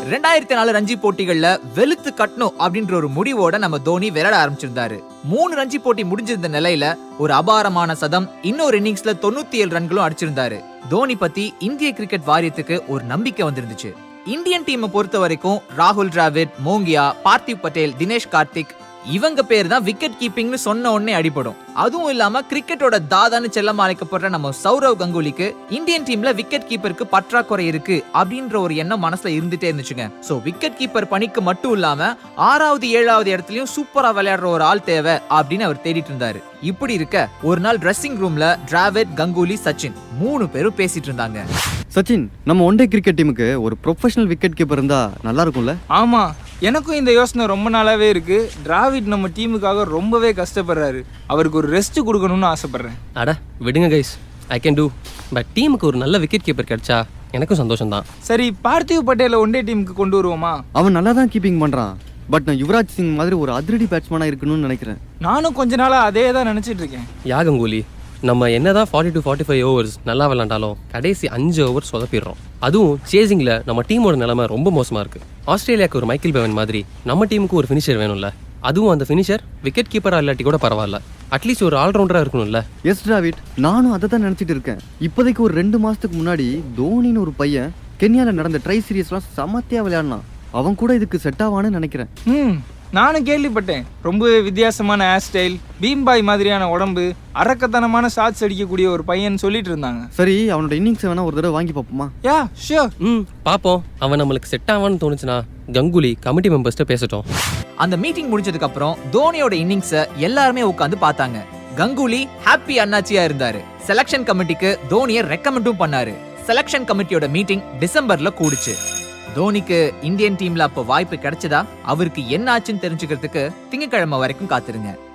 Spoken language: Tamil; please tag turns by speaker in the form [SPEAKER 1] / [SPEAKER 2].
[SPEAKER 1] 2004 ரஞ்சி போட்டிகள்ல வெளுத்து கட்டணும் அப்படின்ற ஒரு முடிவோட நம்ம தோனி விளையாட ஆரம்பிச்சிருந்தாரு. 3 ரஞ்சி போட்டி முடிஞ்சிருந்த நிலையில ஒரு அபாரமான சதம், இன்னொரு இன்னிங்ஸ்ல 97 ரன்களும் அடிச்சிருந்தாரு. தோனி பத்தி இந்திய கிரிக்கெட் வாரியத்துக்கு ஒரு நம்பிக்கை வந்திருந்துச்சு. இந்தியன் டீமை பொறுத்த வரைக்கும் ராகுல் டிராவிட், மோங்கியா, பார்த்திவ் பட்டேல், தினேஷ் கார்த்திக் இவங்க பேர் தான் விக்கெட் கீப்பிங்னு சொன்ன உடனே அடிபடும். அதுவும் இல்லாம கிரிக்கெட்டோட தாதான்னு செல்லமா அழைக்கப்படுற நம்ம சௌரவ் கங்குலிக்கு இந்தியன் டீம்ல விக்கெட் கீப்பருக்கு பற்றாக்குறை இருக்கு அப்படின்ற ஒரு எண்ணம் மனசுல இருந்துட்டே இருந்துச்சுங்க. சோ விக்கெட் கீப்பர் பணிக்கு மட்டும் இல்லாம 6வது 7வது இடத்துலயும் சூப்பரா விளையாடுற ஒரு ஆள் தேவை அப்படின்னு அவர் தேடிட்டு இருந்தாரு. இப்படி இருக்க ஒரு நாள் ட்ரெஸ்ஸிங் ரூம்ல டிராவிட், கங்குலி, சச்சின் 3 பேரும் பேசிட்டு இருந்தாங்க.
[SPEAKER 2] சச்சின், நம்ம ஒன் டே கிரிக்கெட் டீமுக்கு ஒரு ப்ரொஃபஷனல் விக்கெட் கீப்பர் இருந்தா நல்லா இருக்கும்ல?
[SPEAKER 3] ஆமா, எனக்கும் இந்த யோசனை ரொம்ப நாளாவே இருக்கு. டிராவிட் நம்ம டீமுக்காக ரொம்பவே கஷ்டப்படுறாரு. அவருக்கு ஒரு ரெஸ்ட் கொடுக்கணும்னு ஆசைப்படுறேன்.
[SPEAKER 4] அட விடுங்க guys, I can do. But டீமுக்கு ஒரு நல்ல விக்கெட் கீப்பர் கிடைச்சா எனக்கும் சந்தோஷம் தான்.
[SPEAKER 3] சரி, பார்த்திவ் பட்டேலை ஒன் டே டீமுக்கு கொண்டு வருவோமா?
[SPEAKER 2] அவன் நல்லா தான் கீப்பிங் பண்றான். பட் நான் யுவராஜ் சிங் மாதிரி ஒரு அதிரடி பேட்ஸ்மேனா இருக்கணும்னு நினைக்கிறேன்.
[SPEAKER 3] நானும் கொஞ்ச நாளா அதே தான் நினைச்சிட்டு இருக்கேன்.
[SPEAKER 4] யா கங்குலி, நம்ம என்னதான் 40 to 45 ஓவர்ஸ் நல்லா விளாண்டாலும் கடைசி 5 ஓவர் சொதப்பிடுறோம். அதுவும் சேசிங்ல நம்ம டீமோட நிலைமை ரொம்ப மோசமா இருக்கு. ஆஸ்திரேலியாவுக்கு ஒரு மைக்கேல் பெவன் மாதிரி நம்ம டீமுக்கு ஒரு ஃபினிஷர் வேணும்ல. அதுவும் அந்த ஃபினிஷர் விக்கெட் கீப்பரா இல்லாட்டி கூட பரவாயில்ல, அட்லீஸ்ட் ஒரு ஆல்ரவுண்டரா இருக்கணும்ல.
[SPEAKER 2] எஸ் டிராவிட், நானும் அதை தான் நினைச்சிட்டு இருக்கேன். இப்போதைக்கு ஒரு 2 மாசத்துக்கு முன்னாடி தோனின்னு ஒரு பையன் கென்யால நடந்த ட்ரை சீரீஸ்லாம் சமத்தியா விளையாடினான். அவன் கூட இதுக்கு செட் ஆவான்னு நினைக்கிறேன்.
[SPEAKER 3] நானும் கேள்விப்பட்டேன். ரொம்பவே வித்தியாசமான ஹேர் ஸ்டைல், பீம்பாய் மாதிரியான உடம்பு, அரக்கத்தனமான ஷாட்ஸ் அடிக்கக்கூடிய ஒரு பையன் சொல்லிட்டு இருந்தாங்க.
[SPEAKER 2] சரி, அவனோட இன்னிங்ஸ் வேணா ஒரு தடவை வாங்கி பார்ப்போமா?
[SPEAKER 3] Yeah sure.
[SPEAKER 4] பாப்போம். அவன் நம்மளுக்கு செட் ஆவான்னு தோணுச்சுன்னா கங்குலி கமிட்டி மெம்பர்ஸ்ட்ட பேசட்டும்.
[SPEAKER 1] அந்த மீட்டிங் முடிஞ்சதுக்கு அப்புறம் தோனியோட இன்னிங்ஸ எல்லாருமே உட்கார்ந்து பார்த்தாங்க. கங்குலி ஹாப்பி அண்ணாச்சியா இருந்தாரு. செலக்ஷன் கமிட்டிக்கு தோனியை ரெக்கமெண்டும் பண்ணாரு. செலக்ஷன் கமிட்டியோட மீட்டிங் டிசம்பர்ல கூடுச்சு. தோனிக்கு இந்தியன் டீம்ல அப்ப வாய்ப்பு கிடைச்சதா, அவருக்கு என்ன ஆச்சுன்னு தெரிஞ்சுக்கிறதுக்கு திங்கட்கிழமை வரைக்கும் காத்திருங்க.